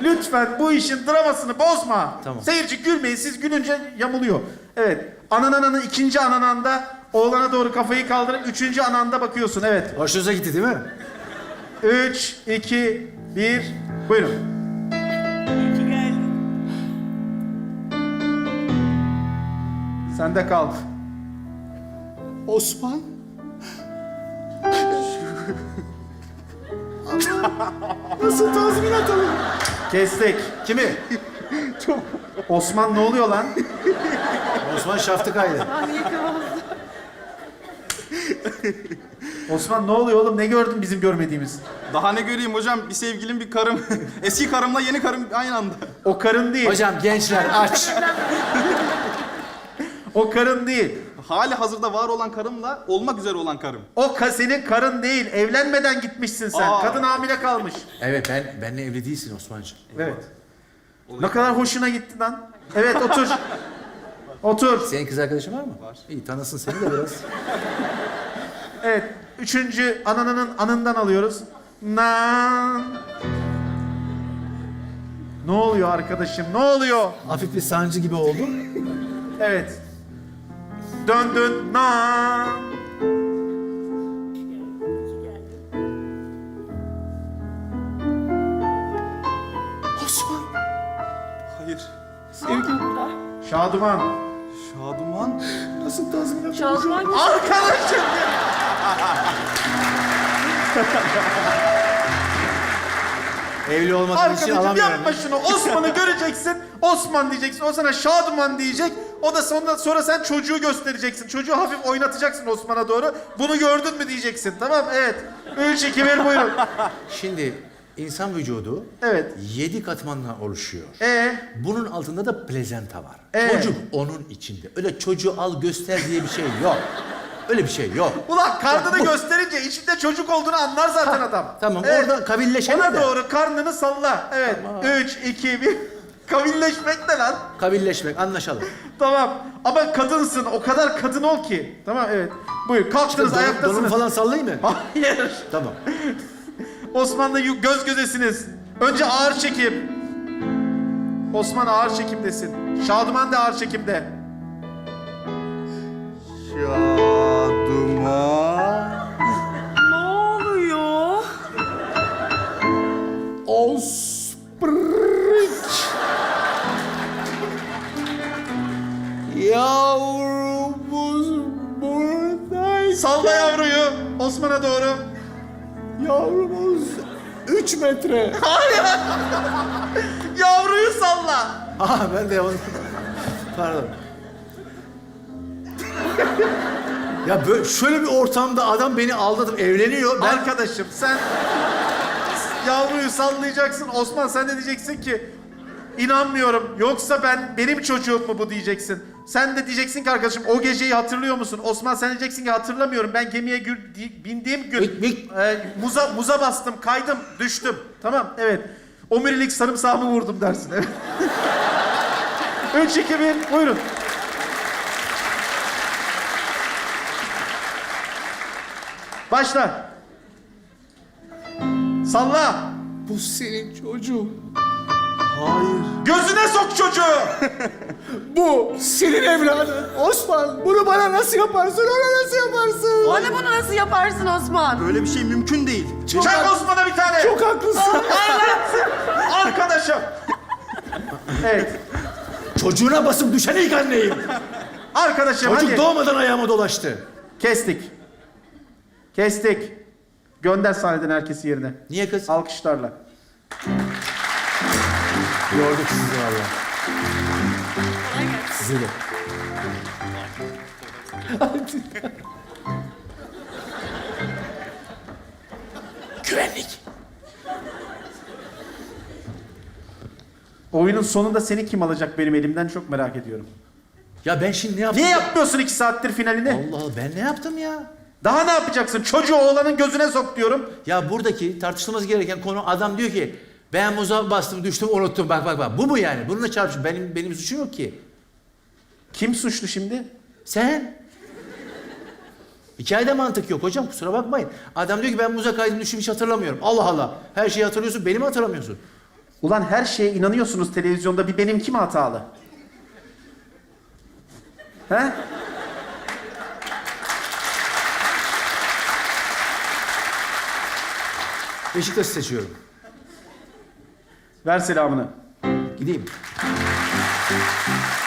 Lütfen bu işin dramasını bozma. Tamam. Seyirci gülmeyin. Siz gülünce yamuluyor. Evet. Anananın ikinci anananda oğlana doğru kafayı kaldırıp üçüncü ananda bakıyorsun. Evet. Hoşunuza gitti değil mi? 3, 2, 1. Buyurun. İyi ki geldin. Sen de kalk. Osman. Nasıl tazminat alın? Kestik. Kimi? Osman ne oluyor lan? Osman şaftı kaydı. Osman ne oluyor oğlum? Ne gördün bizim görmediğimiz? Daha ne göreyim hocam? Bir sevgilim, bir karım. Eski karımla yeni karım aynı anda. O karın değil. Hocam gençler aç. O karın değil. Hali hazırda var olan karımla olmak üzere olan karım. Senin karın değil. Evlenmeden gitmişsin sen. Aa. Kadın hamile kalmış. Evet benle evli değilsin Osman'cığım. Evet. Ne kadar hoşuna gitti lan. Evet otur. Otur. Senin kız arkadaşın var mı? Var. İyi tanısın seni de biraz. Evet. Üçüncü ananın anından alıyoruz. Nan. Ne oluyor arkadaşım? Ne oluyor? Hafif bir sancı gibi oldu. Evet. Döndün. Nan. Osman. Hayır. Şaduman. Şaduman. Nasıl tazminat? Şansman Arkadaşım. Evli olmadığın için Arkadaşım alamıyorum. yapma şunu. Osman'ı göreceksin. Osman diyeceksin. O sana Şaduman diyecek. O da sonra sen çocuğu göstereceksin. Çocuğu hafif oynatacaksın Osman'a doğru. Bunu gördün mü diyeceksin. Tamam evet. 3, 2, 1 buyurun. Şimdi insan vücudu Evet. 7 katmanla oluşuyor. Bunun altında da plezenta var. Çocuk onun içinde. Öyle çocuğu al göster diye bir şey yok. Öyle bir şey yok. Ulan karnını gösterince içinde çocuk olduğunu anlar zaten adam. Tamam Evet. orada kabilleşelim Ona de. doğru karnını salla. Evet. 3, 2, 1. Kavilleşmek ne lan? Kabilleşmek anlaşalım. Tamam. Ama kadınsın. O kadar kadın ol ki. Tamam evet. Buyur. Kalktınız Donumu ayaktasınız. falan sallayayım mı? Hayır. Tamam. Osman'la göz gözesiniz. Önce ağır çekim. Osman ağır çekimdesin. Şaduman da ağır çekimde. Şaduman. ne oluyor? Osprik. Yavrumuz buradaydı. Salla yavruyu Osman'a doğru. Yavrumuz 3 metre. Yavruyu salla. Aha ben de onu... Pardon. Ya böyle şöyle bir ortamda adam beni aldatıp evleniyor. Ben Arkadaşım sen yavruyu sallayacaksın. Osman sen de diyeceksin ki inanmıyorum. Yoksa benim çocuğum mu bu diyeceksin. Sen de diyeceksin ki arkadaşım o geceyi hatırlıyor musun? Osman sen diyeceksin ki hatırlamıyorum. Ben gemiye bindiğim gün muza bastım, kaydım, düştüm. Tamam evet. Omurilik sarımsağımı vurdum dersin. Evet. 3, 2, 1 buyurun. Başla. Salla. bu senin çocuğun. Hayır. Gözüne sok çocuğu. Bu senin evladın. Osman bunu bana nasıl yaparsın? Ona nasıl yaparsın? Bana bunu nasıl yaparsın Osman? Böyle bir şey mümkün değil. Çak Osman'a bir tane. Çok haklısın. Arkadaşım. Evet. Çocuğuna basıp düşen ilk anneyim. Arkadaşım Çocuk hadi. doğmadan ayağıma dolaştı. Kestik. Kestik. Gönder sahneden herkesi yerine. Niye kız? Alkışlarla. Yorduk sizi valla. Sizi de. Güvenlik. Oyunun sonunda seni kim alacak benim elimden çok merak ediyorum. Ya ben şimdi ne yaptım? Niye yapmıyorsun 2 saattir finalini? Allah Allah ben ne yaptım ya? Daha ne yapacaksın? Çocuğu oğlanın gözüne sok diyorum. Ya buradaki tartışılması gereken konu adam diyor ki ben muza bastım düştüm unuttum bak. Bu mu yani? Bununla çarpışın. Benim suçum yok ki. Kim suçlu şimdi? Sen? Hikayede mantık yok hocam kusura bakmayın. Adam diyor ki ben muza kaydım düştüm hiç hatırlamıyorum. Allah Allah. Her şeyi hatırlıyorsun beni mi hatırlamıyorsun? Ulan her şeye inanıyorsunuz televizyonda. Bir benimki mi hatalı? He? Beşiktaş'ı seçiyorum. Ver selamını. Gideyim.